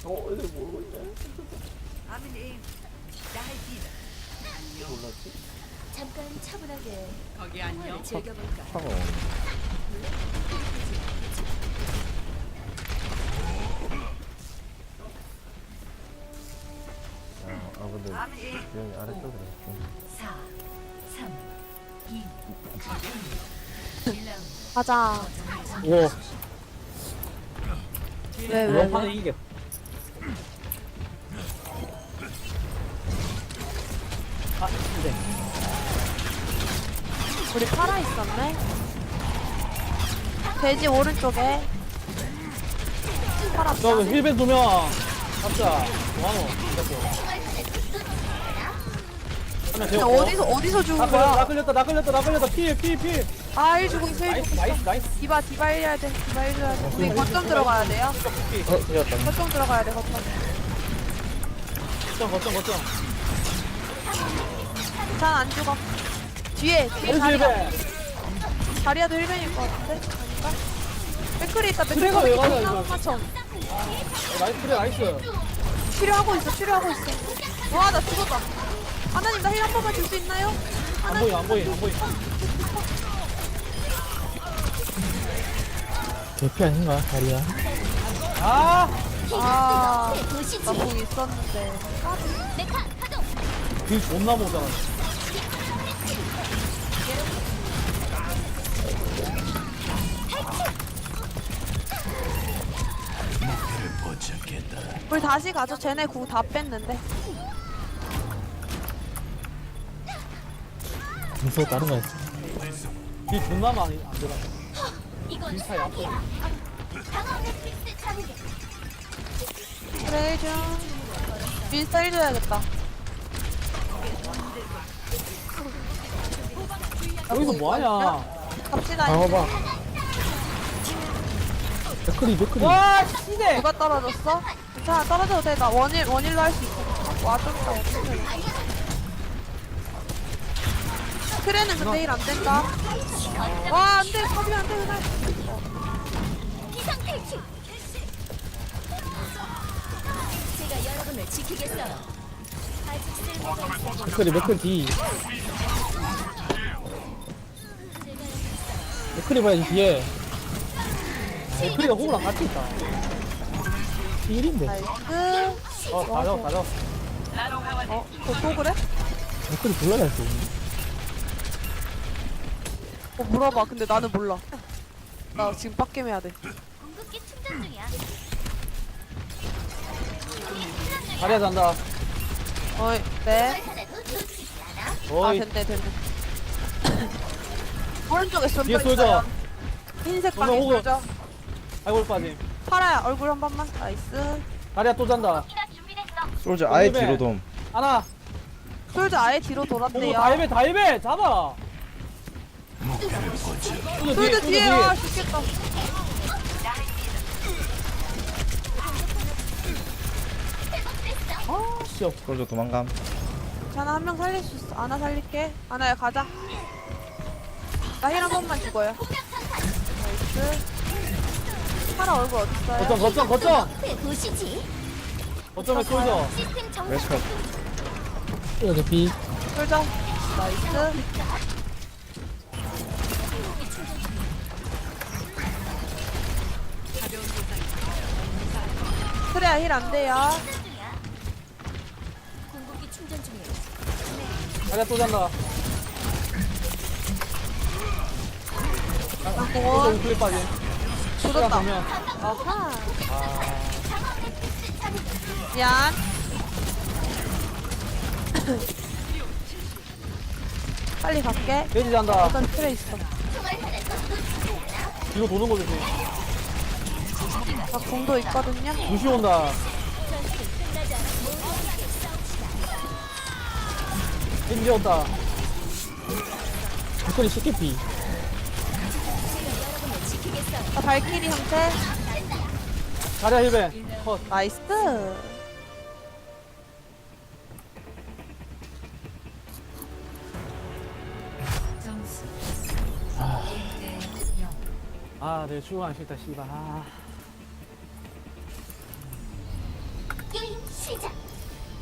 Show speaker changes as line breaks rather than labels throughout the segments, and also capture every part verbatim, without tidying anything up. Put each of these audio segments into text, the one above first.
어, 이거 모르고 있네.
아멘. 나이디다. 안녕.
몰랐지?
잠깐 차분하게
거기 안녕.
영화를 즐겨볼까?
차가 아, 아 근데
아멘.
여기 아래쪽으로 좀.
사, 삼, 이,
가자.
오,
왜, 왜,
이번 판에
왜?
이기겠. 아, 근데
우리 파라 있었네? 돼지 오른쪽에. 파라
저
없다.
힐벤 두 명. 갑자. 뭐하노? 하나
근데
되었고.
어디서, 어디서 죽은
나 걸렸다, 나
거야?
걸렸다, 나 걸렸다, 나 걸렸다. 피해, 피해, 피해.
아, 일 죽음, 일
나이스,
죽음.
나이스, 나이스.
디바, 디바 일해야 돼. 디바 일해야 돼. 우리 거점 들어가야 돼요.
어, 되었다.
거점 들어가야 돼, 거점.
거점, 거점, 거점.
괜찮아, 안 죽어. 뒤에, 뒤에
나이스
자리야.
힐벤.
자리야도 힐벤일 것 같은데? 아닌가? 맥클이 있다, 맥클이
그래가 왜 가냐, 이거.
맞춰.
어, 나이스, 그래, 나이스.
치료하고 있어, 치료하고 있어. 와, 나 죽었다. 하나님, 나 힐 한 번만 줄 수 있나요?
안 보이, 안 보이, 안 보이.
개피 아닌가 다리야?
아,
아, 나 공 있었는데.
길 존나 못잖아.
우리 다시 가죠. 쟤네 구 다 뺐는데.
무서워 다른 거 했어.
길 존나 많이 안 들어. 길 차이 안 보여.
그래, 좀. 윈스타 해줘야겠다.
여기서 뭐하냐?
갑시다.
방어봐. 맥크리 맥크리.
와, 씨네.
누가 떨어졌어? 괜찮아, 떨어져도 돼. 나 원일, 원일로 할 수 있어. 와줬다, 어떡해. 트레는 근데 일 안 된다. 와, 안 돼. 컵이 안 돼, 그날.
제가 여러분을 지키겠어요. 아직 쓸모가 있어.
맥크리 맥크리 뒤. 맥크리 봐야지 뒤에.
맥크리가 호구랑 같이 있다.
일인데.
나이스.
어, 다 잡았어, 다 잡았어.
어, 또, 또 그래?
맥크리 불러야 돼.
어, 물어봐. 근데 나는 몰라. 나 지금 빡겜해야 돼.
궁극기 충전 중이야.
다리야 잔다.
어이, 네. 아,
어이,
됐네, 됐네. 오른쪽에
뒤에
쏠져
쏠져.
있어요. 흰색
그러면
방에
호구.
쏠져.
아이고, 빠짐.
파라야, 얼굴 한 번만. 나이스.
다리야 또 잔다.
솔저 아예
힐벤.
뒤로 돔.
하나.
솔저 아예 뒤로
호구
돌았대요.
다이베, 다이베. 잡아.
솔저
솔저
뒤에 와, 죽겠다.
아, 씨, 없.
솔저 도망감.
자나 한 명 살릴 수 있어. 아나 살릴게. 아나야, 가자. 나 힐 한 번만 죽어요. 나이스. 파라 얼굴 어딨어요?
거점, 거점, 거점.
보시지.
거점에 솔져.
시스템 정상.
웨스컷.
이거 개피.
솔져. 나이스. 그래야 힐 안 돼요.
궁극기 충전 중이야.
다리야 또 잔다. 솔저
공원
우클릭 빠짐.
조졌다.
보면.
아하.
아,
미안. 빨리 갈게.
돼지 잔다.
어떤 틀에 있어.
뒤로 도는 거 조심.
나 공도 있거든요.
루시 온다. 인지 온다.
맥크리 십개피.
나 발키리 형태.
다리야 힐벤. 컷.
나이스.
아, 내 출근 안 싫다, 씨발. 아.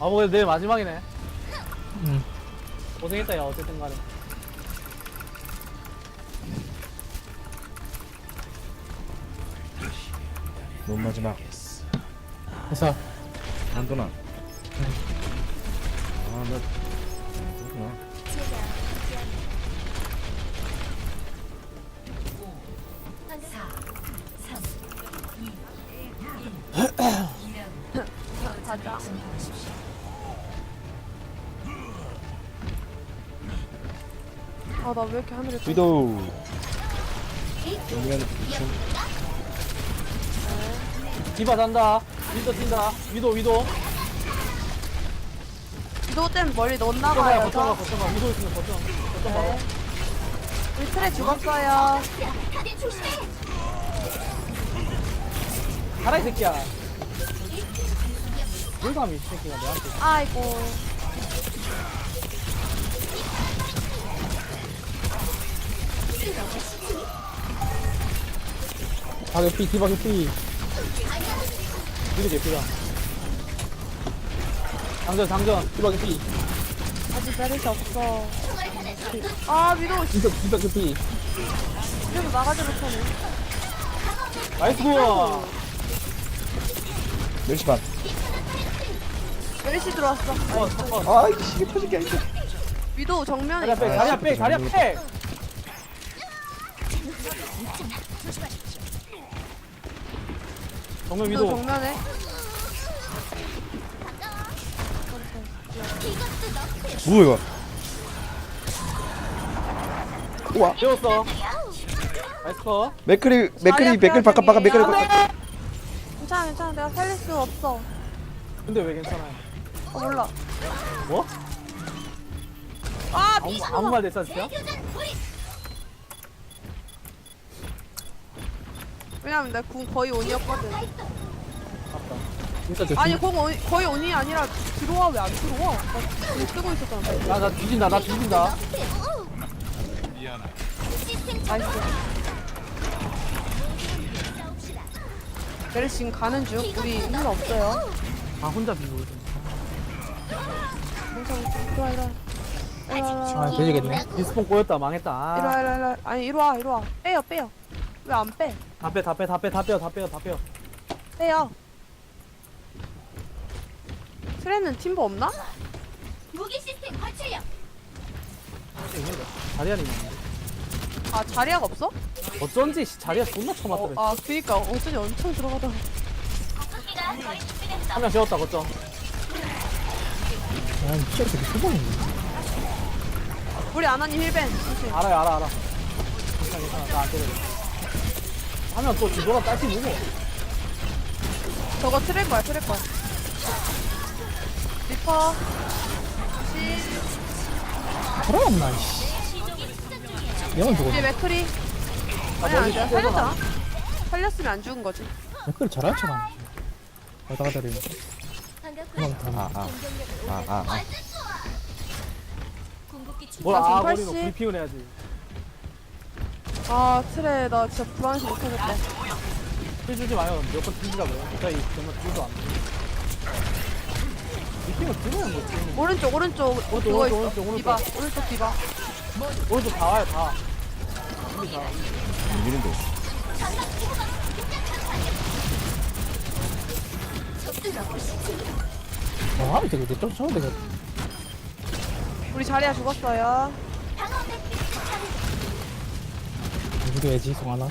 아, 뭐 내일 마지막이네.
응.
고생했다, 야, 어쨌든 간에.
넌 마지막.
회사.
안도나. 아, 나 그렇구나.
제가
가자. 아, 나 왜 이렇게 하늘에 좀-
위도우. 정면 이층.
디바 잔다. 위도 뛴다. 위도, 위도.
위도 때문에 멀리 못
거쳐가,
나가요.
거쳐가,
저.
거쳐가. 위도 있으면 거쳐. 거쳐 봐.
네. 우리 트레 죽었어요.
가라, 이 새끼야. 뭘 감히, 이 새끼가 내한테.
아이고.
바게피, 디바게피.
위도 개피다. 장전, 장전.
디바게피.
아직 베르시 없어. 아, 위도
진짜 디바게피.
그래도 나가지 못하네.
나이스!
멸시 반.
베르시 들어왔어.
어, 잠깐.
아, 이게 터진 게 아닌데.
위도 정면에
다리야,
있어.
빼, 다리야, 빼, 다리야, 빼! 정면
위도
위도.
정면에.
뭐야 이거? 우와.
배웠어. 나이스 컷.
맥크리 맥크리
자리야,
맥크리 바깥 바깥 맥크리
안 돼!
바깥.
괜찮아, 괜찮아. 내가 살릴 수 없어.
근데 왜 괜찮아요?
어, 몰라.
뭐?
아,
아무,
미쳐.
아무 말 됐었어요?
왜냐면 내 궁 거의 온이었거든.
아깝다.
진짜 저
아니, 공 온, 거의 온이 아니라 들어와. 왜 안 들어와? 나궁 쓰고 있었잖아.
나, 나 뒤진다, 나 뒤진다.
나이스. 베르시 지금 가는 중. 우리 힘 없어요.
아, 혼자 비고 있어.
괜찮아. 이리 와, 이리 와. 이리 와, 이리 와.
아, 되지겠네.
디스폰 꼬였다, 망했다.
이리 와,
아.
이리 와, 이리 와. 아니, 이리 와, 이리 와. 빼요, 빼요. 왜 안 빼?
다 빼, 다 빼, 다 빼, 다 빼요, 다 빼요, 다 빼요.
빼요. 트레는 팀버 없나?
무기 시스템 관찰력.
있는데. 자리안이 있는데.
아, 자리아가 없어?
어쩐지 씨, 자리야 존나
어,
쳐맞더래.
아, 그니까. 어쩐지 엄청 들어가다.
무기가 거의 준비됐어.
한 명 재웠다, 거점.
아, 진짜 되게 수범이네.
우리 아나님 힐벤. 조심.
알아요, 알아, 알아. 괜찮아, 괜찮아. 나안 때려. 하면 또 뒤돌아 딸지 누구?
저거 트랙 거야, 트랙 거야. 리퍼. 시.
돌아왔나, 이씨. 영은
뒤에
죽었네.
맥크리.
아,
아니, 안
멀리
돼.
빼서
살렸잖아. 살렸으면 안 죽은 거지.
댓글 잘한 척 하네. 왔다 갔다 되는
반갑고
그만 다.
아,
공격력을
아, 아, 아.
궁극기 충전.
뭘
나
아,
지금
버리고
팔십.
불피운 해야지.
아, 트레. 나 진짜 불안해서 못하겠다.
힐 주지 마요. 몇번 튕기라고요. 저희 정말 뒤도 안 돼. 미팅을 들어야 뭐지?
오른쪽, 오른쪽.
오른쪽,
그거
오른쪽,
있어.
오른쪽, 오른쪽.
디바. 오른쪽 디바.
오른쪽 다 와요, 다. 여기 다.
미는데.
아, 되게 내 쫓아오면 되겠다.
우리 자리야 죽었어요.
죽여야지, 송하나.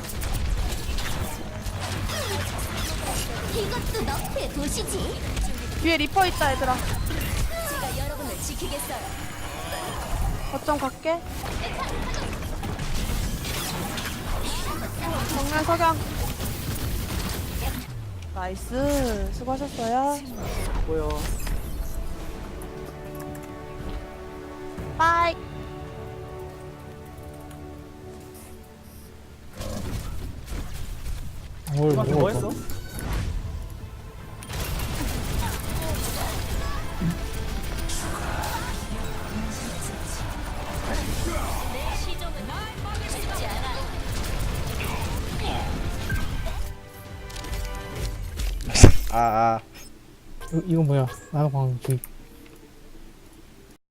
이것도 너프의 도시지.
뒤에 리퍼 있다, 얘들아.
제가 여러분을 지키겠어요.
거점 갈게. 정면 석양. 나이스. 수고하셨어요.
보여.
빠이.
뭘,
그만 뭐 했어?
내 시종은 쉽지 않아.
아, 아.
이거 뭐야? 나도 방금 저기